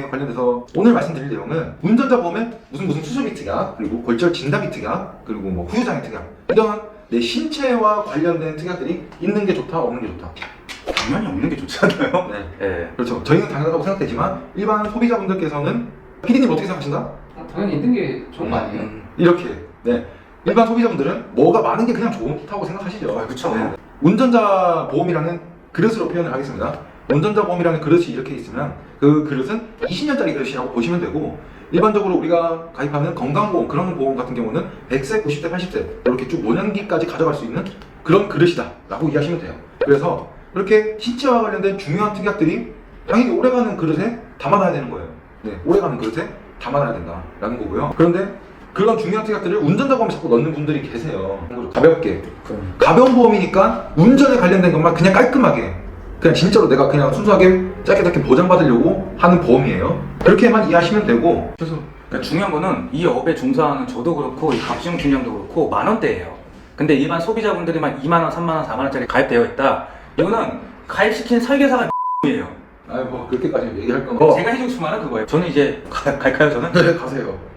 보험에 관련돼서 오늘 말씀드릴 내용은 운전자 보험에 무슨 수술비 특약, 그리고 골절 진단비 특약, 그리고 뭐 후유장애 특약, 이런 내 신체와 관련된 특약들이 있는 게 좋다, 없는 게 좋다. 당연히 없는 게 좋지 않나요? 네. 네. 그렇죠. 저희는 당연하다고 생각되지만 일반 소비자분들께서는 PD님 어떻게 생각하신다? 당연히 있는 게 좋은 거 아니에요? 이렇게. 네. 일반 소비자분들은 뭐가 많은 게 그냥 좋다고 생각하시죠. 그쵸. 네. 운전자 보험이라는 그릇으로 표현을 하겠습니다. 운전자 보험이라는 그릇이 이렇게 있으면 그 그릇은 20년짜리 그릇이라고 보시면 되고, 일반적으로 우리가 가입하는 건강보험, 그런 보험 같은 경우는 100세, 90세, 80세 이렇게 쭉 노년기까지 가져갈 수 있는 그런 그릇이다 라고 이해하시면 돼요. 그래서 이렇게 신체와 관련된 중요한 특약들이 당연히 오래가는 그릇에 담아놔야 되는 거예요. 네, 오래가는 그릇에 담아놔야 된다라는 거고요. 그런데 그런 중요한 특약들을 운전자 보험에 자꾸 넣는 분들이 계세요. 가볍게. 가벼운 보험이니까 운전에 관련된 것만 그냥 깔끔하게, 그냥 진짜로 내가 그냥 순수하게 짧게 보장받으려고 하는 보험이에요. 그렇게만 이해하시면 되고. 그래서 그러니까 중요한 거는 이 업에 종사하는 저도 그렇고 이 박지훈 팀장도 그렇고 만원대예요. 근데 일반 소비자분들이만 2만원, 3만원, 4만원짜리 가입되어 있다. 이거는 가입시킨 설계사가 이에요. 아이 뭐 그렇게까지 얘기할 건 거. 제가 해주고 싶은 말은 그거예요. 저는 이제 갈까요 저는? 네, 가세요.